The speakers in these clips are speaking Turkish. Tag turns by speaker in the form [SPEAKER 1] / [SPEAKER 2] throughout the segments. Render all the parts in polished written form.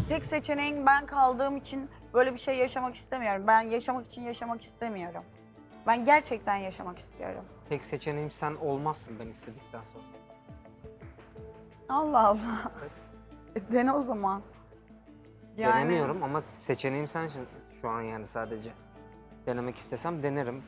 [SPEAKER 1] tek seçeneğin ben kaldığım için böyle bir şey yaşamak istemiyorum. Ben yaşamak için yaşamak istemiyorum. Ben gerçekten yaşamak istiyorum.
[SPEAKER 2] Tek seçeneğim sen olmazsın ben istedikten sonra.
[SPEAKER 1] Allah Allah.
[SPEAKER 2] Evet.
[SPEAKER 1] Dene o zaman.
[SPEAKER 2] Denemiyorum ama seçeneğim sensin şu an yani sadece. Denemek istesem denerim.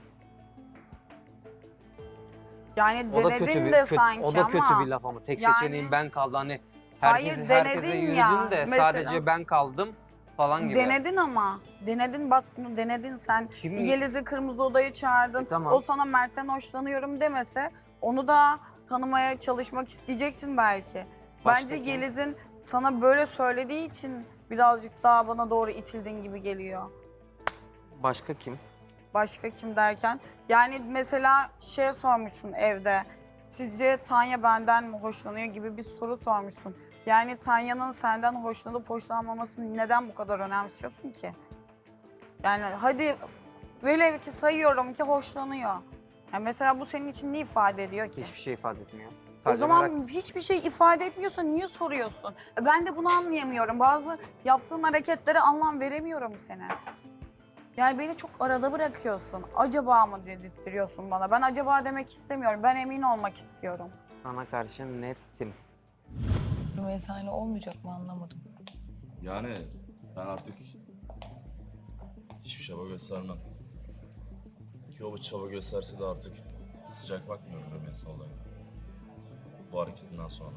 [SPEAKER 1] Yani
[SPEAKER 2] O da
[SPEAKER 1] denedin
[SPEAKER 2] kötü bir
[SPEAKER 1] de sanki
[SPEAKER 2] o da kötü
[SPEAKER 1] ama.
[SPEAKER 2] bir laf ama tek
[SPEAKER 1] yani-
[SPEAKER 2] seçeneğim ben kaldı hani
[SPEAKER 1] Hayır,
[SPEAKER 2] herkese
[SPEAKER 1] denedin
[SPEAKER 2] yürüdün
[SPEAKER 1] ya,
[SPEAKER 2] de
[SPEAKER 1] mesela.
[SPEAKER 2] sadece ben kaldım falan gibi.
[SPEAKER 1] Denedin ama. Denedin bak bunu denedin sen.
[SPEAKER 2] Kim?
[SPEAKER 1] Yeliz'i Kırmızı Oda'ya çağırdın.
[SPEAKER 2] Tamam.
[SPEAKER 1] O sana Mert'ten hoşlanıyorum demese onu da tanımaya çalışmak isteyecektin belki.
[SPEAKER 2] Başka
[SPEAKER 1] Bence
[SPEAKER 2] kim?
[SPEAKER 1] Yeliz'in sana böyle söylediği için birazcık daha bana doğru itildin gibi geliyor.
[SPEAKER 2] Başka kim?
[SPEAKER 1] Başka kim derken? Yani mesela şey sormuşsun evde. Sizce Tanya benden mi hoşlanıyor gibi bir soru sormuşsun. Yani Tanya'nın senden hoşlanıp hoşlanmamasını neden bu kadar önemsiyorsun ki? Yani hadi velev ki sayıyorum ki hoşlanıyor. Yani mesela bu senin için ne ifade ediyor ki?
[SPEAKER 2] Hiçbir şey ifade etmiyor.
[SPEAKER 1] O
[SPEAKER 2] Sadece
[SPEAKER 1] zaman
[SPEAKER 2] merak-
[SPEAKER 1] hiçbir şey ifade etmiyorsa niye soruyorsun? Ben de bunu anlayamıyorum. Bazı yaptığın hareketlere anlam veremiyorum seni. Yani beni çok arada bırakıyorsun. Acaba mı dedirtiyorsun bana? Ben acaba demek istemiyorum. Ben emin olmak istiyorum.
[SPEAKER 2] sana karşı nettim.
[SPEAKER 3] Rümeysa ile olmayacak mı anlamadım.
[SPEAKER 4] Yani ben artık hiçbir çaba göstermem. Ki o çaba gösterse de artık sıcak bakmıyorum Rümeysa olayına. Bu hareketinden sonra.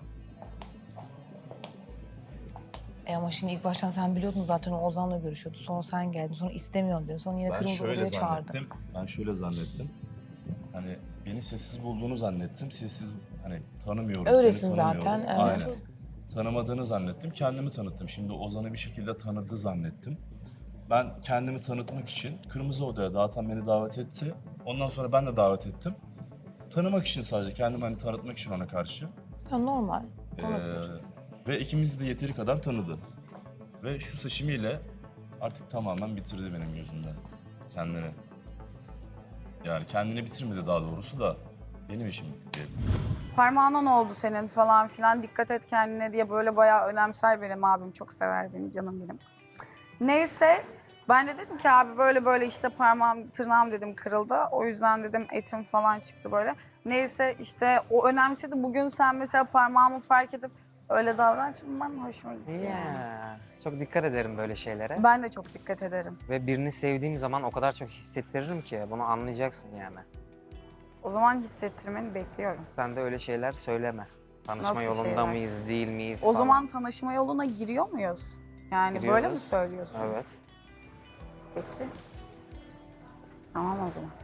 [SPEAKER 3] Ama şimdi ilk baştan sen biliyordun zaten o Ozan'la görüşüyordu. Sonra sen geldin. Sonra istemiyorsun dedi. Sonra yine
[SPEAKER 4] Ben
[SPEAKER 3] Kırmızı
[SPEAKER 4] şöyle
[SPEAKER 3] Oda'ya çağırdı.
[SPEAKER 4] zannettim. Ben şöyle zannettim. Hani beni sessiz bulduğunu zannettim. Sessiz hani tanımıyorum,
[SPEAKER 3] Öylesin
[SPEAKER 4] seni tanımıyorum.
[SPEAKER 3] zaten, evet.
[SPEAKER 4] Aynen. Tanımadığını zannettim. Kendimi tanıttım. Şimdi Ozan'ı bir şekilde tanıdı zannettim. Ben kendimi tanıtmak için Kırmızı Oda'ya zaten beni davet etti. Ondan sonra ben de davet ettim. Tanımak için sadece kendimi hani tanıtmak için ona karşı.
[SPEAKER 3] Ya normal.
[SPEAKER 4] Ve ikimiz de yeteri kadar tanıdı. Ve şu seçimiyle artık tamamen bitirdi benim gözümde kendini. Yani kendini bitirmedi daha doğrusu da benim işim bitti diyelim.
[SPEAKER 1] Parmağına ne oldu senin falan filan dikkat et kendine diye böyle bayağı önemser benim abim. Çok sever beni canım benim. Neyse ben de dedim ki abi böyle böyle işte parmağım tırnağım dedim kırıldı. O yüzden dedim etim falan çıktı böyle. Neyse işte o önemsedi. Bugün sen mesela parmağımı fark edip öyle davranışın bana hoşuma gitti yani.
[SPEAKER 2] Ya, çok dikkat ederim böyle şeylere.
[SPEAKER 1] Ben de çok dikkat ederim.
[SPEAKER 2] Ve birini sevdiğim zaman o kadar çok hissettiririm ki bunu anlayacaksın yani.
[SPEAKER 1] O zaman hissettirmeni bekliyorum.
[SPEAKER 2] Sen de öyle şeyler söyleme. Tanışma
[SPEAKER 1] Nasıl
[SPEAKER 2] yolunda
[SPEAKER 1] şeyler?
[SPEAKER 2] mıyız, değil miyiz
[SPEAKER 1] O
[SPEAKER 2] falan.
[SPEAKER 1] zaman tanışma yoluna giriyor muyuz? Yani böyle mi
[SPEAKER 2] Giriyoruz.
[SPEAKER 1] söylüyorsun?
[SPEAKER 2] Evet.
[SPEAKER 1] Peki. Tamam o zaman.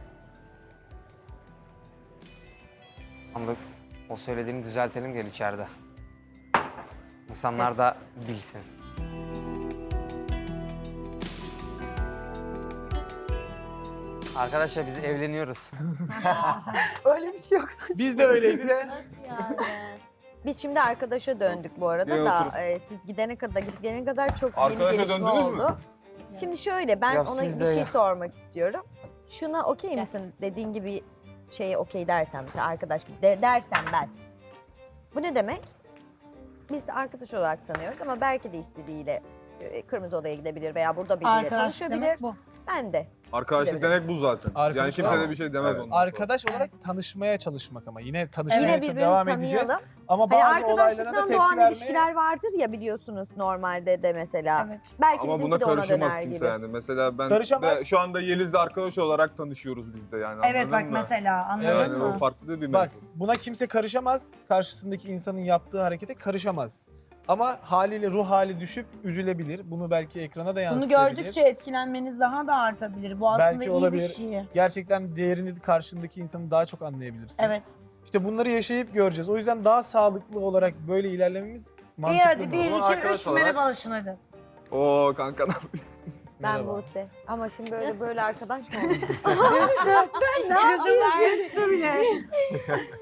[SPEAKER 2] Ama o söylediğimi düzeltelim gel içeride. İnsanlar da bilsin. Arkadaşlar biz evleniyoruz.
[SPEAKER 1] Öyle bir şey yok saçma.
[SPEAKER 5] Biz de öyleydi de.
[SPEAKER 6] Nasıl yani? Biz şimdi arkadaşa döndük bu arada
[SPEAKER 5] Niye
[SPEAKER 6] da
[SPEAKER 5] oturup-
[SPEAKER 6] siz gidene kadar gidip gelene kadar çok yeni
[SPEAKER 5] Arkadaşa
[SPEAKER 6] gelişme
[SPEAKER 5] döndünüz mü?
[SPEAKER 6] oldu. Şimdi şöyle ben
[SPEAKER 2] Ya
[SPEAKER 6] ona
[SPEAKER 2] siz
[SPEAKER 6] bir
[SPEAKER 2] de
[SPEAKER 6] şey
[SPEAKER 2] ya.
[SPEAKER 6] sormak istiyorum. Şuna okey misin dediğin gibi şeye okey dersen mesela arkadaş gibi dersem ben. Bu ne demek? Biz arkadaş olarak tanıyoruz ama belki de istediğiyle Kırmızı Oda'ya gidebilir veya burada biriyle
[SPEAKER 7] Arkadaşlık
[SPEAKER 6] tanışabilir.
[SPEAKER 7] demek bu.
[SPEAKER 6] Ben de.
[SPEAKER 5] Arkadaşlık demek bu zaten. Yani
[SPEAKER 8] Arkadaş-
[SPEAKER 5] kimse de bir şey demez
[SPEAKER 8] Evet.
[SPEAKER 5] ondan sonra.
[SPEAKER 8] Arkadaş olarak tanışmaya çalışmak ama yine tanışmaya
[SPEAKER 6] Yine
[SPEAKER 8] çalışıp devam
[SPEAKER 6] birbirimizi
[SPEAKER 8] edeceğiz.
[SPEAKER 6] tanıyalım.
[SPEAKER 8] Ama
[SPEAKER 6] Hani
[SPEAKER 8] bazı olaylara da
[SPEAKER 6] arkadaşlıktan
[SPEAKER 8] tepki
[SPEAKER 6] doğan
[SPEAKER 8] vermeye...
[SPEAKER 6] ilişkiler vardır ya biliyorsunuz normalde de mesela.
[SPEAKER 7] Evet.
[SPEAKER 6] Belki
[SPEAKER 5] Ama
[SPEAKER 6] bizimki
[SPEAKER 5] buna
[SPEAKER 6] de ona
[SPEAKER 5] karışamaz
[SPEAKER 6] döner
[SPEAKER 5] kimse
[SPEAKER 6] gibi.
[SPEAKER 5] yani. Mesela ben
[SPEAKER 8] Karışamaz.
[SPEAKER 5] de şu anda Yeliz'le arkadaş olarak tanışıyoruz biz de yani.
[SPEAKER 7] Evet
[SPEAKER 5] anladın
[SPEAKER 7] bak
[SPEAKER 5] mı?
[SPEAKER 7] mesela anladın
[SPEAKER 5] Yani o
[SPEAKER 7] mı?
[SPEAKER 5] farklı bir mevzu.
[SPEAKER 8] Bak buna kimse karışamaz. Karşısındaki insanın yaptığı harekete karışamaz. Ama haliyle ruh hali düşüp üzülebilir. Bunu belki ekrana da
[SPEAKER 7] Bunu
[SPEAKER 8] yansıtabilir.
[SPEAKER 7] gördükçe etkilenmeniz daha da artabilir. Bu aslında
[SPEAKER 8] Belki
[SPEAKER 7] iyi
[SPEAKER 8] olabilir.
[SPEAKER 7] bir şey.
[SPEAKER 8] Gerçekten değerini karşındaki insanı daha çok anlayabilirsin.
[SPEAKER 7] Evet.
[SPEAKER 8] İşte bunları yaşayıp göreceğiz. O yüzden daha sağlıklı olarak böyle ilerlememiz
[SPEAKER 7] İyi
[SPEAKER 8] mantıklı.
[SPEAKER 7] hadi
[SPEAKER 8] mı?
[SPEAKER 7] 1,
[SPEAKER 5] Ama
[SPEAKER 7] 2,
[SPEAKER 5] arkadaş
[SPEAKER 7] 3
[SPEAKER 5] olarak-
[SPEAKER 7] merhabalaşın hadi.
[SPEAKER 5] Oo kanka ne
[SPEAKER 6] Ben
[SPEAKER 8] Merhaba.
[SPEAKER 6] Buse. Ama şimdi böyle arkadaş mı olur?
[SPEAKER 7] Ne yapıyorsun? Düştü bile.